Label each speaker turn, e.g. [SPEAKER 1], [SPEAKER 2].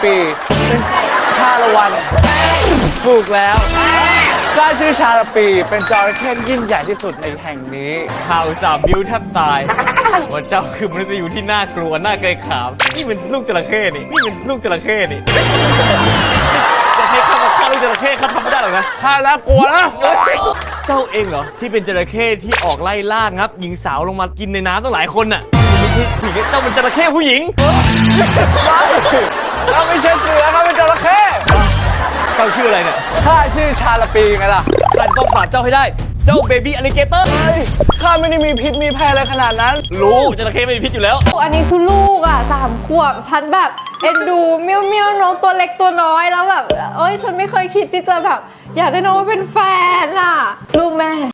[SPEAKER 1] ปีเป็นชาละวันถูกแล้วข้าชื่อชาละปีเป็นจระเข้ที่ยิ่งใหญ่ที่สุดในแห่งนี้ข่าวสามบิ้วแทบตายว่าเจ้าคือมนุษย์อยู่ที่น่ากลัวน่าเกรงขามนี่เป็นลูกจระเข้นี่เป็นลูกจระเข้นี่จะให้ข้ามาฆ่าลูกจระเข้ข้าทำไม่ได้หรอกนะข้าน่ากลัวนะเจ้าเองเหรอที่เป็นจระเข้ที่ออกไล่ล่างับหญิงสาวลงมากินในน้ำตั้งหลายคนน่ะไม่ใช่สิเจ้าเป็นจระเข้ผู้หญิงเราไม่ใช่เสือเขาเป็นจระเข้เจ้าชื่ออะไรเนี่ยข้าชื่อชาละปีไงล่ะข้าต้องปราบเจ้าให้ได้เจ้าเบบี้อลิเกเตอร์ข้าไม่ได้มีพิษมีภัยอะไรขนาดนั้นรู้จระเข้ไม่มีพิษอยู่แล้ว
[SPEAKER 2] อันนี้คือลูกอ่ะ3 ขวบฉันแบบเอ็นดูเมี้ยวเมี้ยวน้องตัวเล็กตัวน้อยแล้วแบบเอ้ยฉันไม่เคยคิดที่จะแบบอยากได้น้องมาเป็นแฟนอ่ะลูกแม่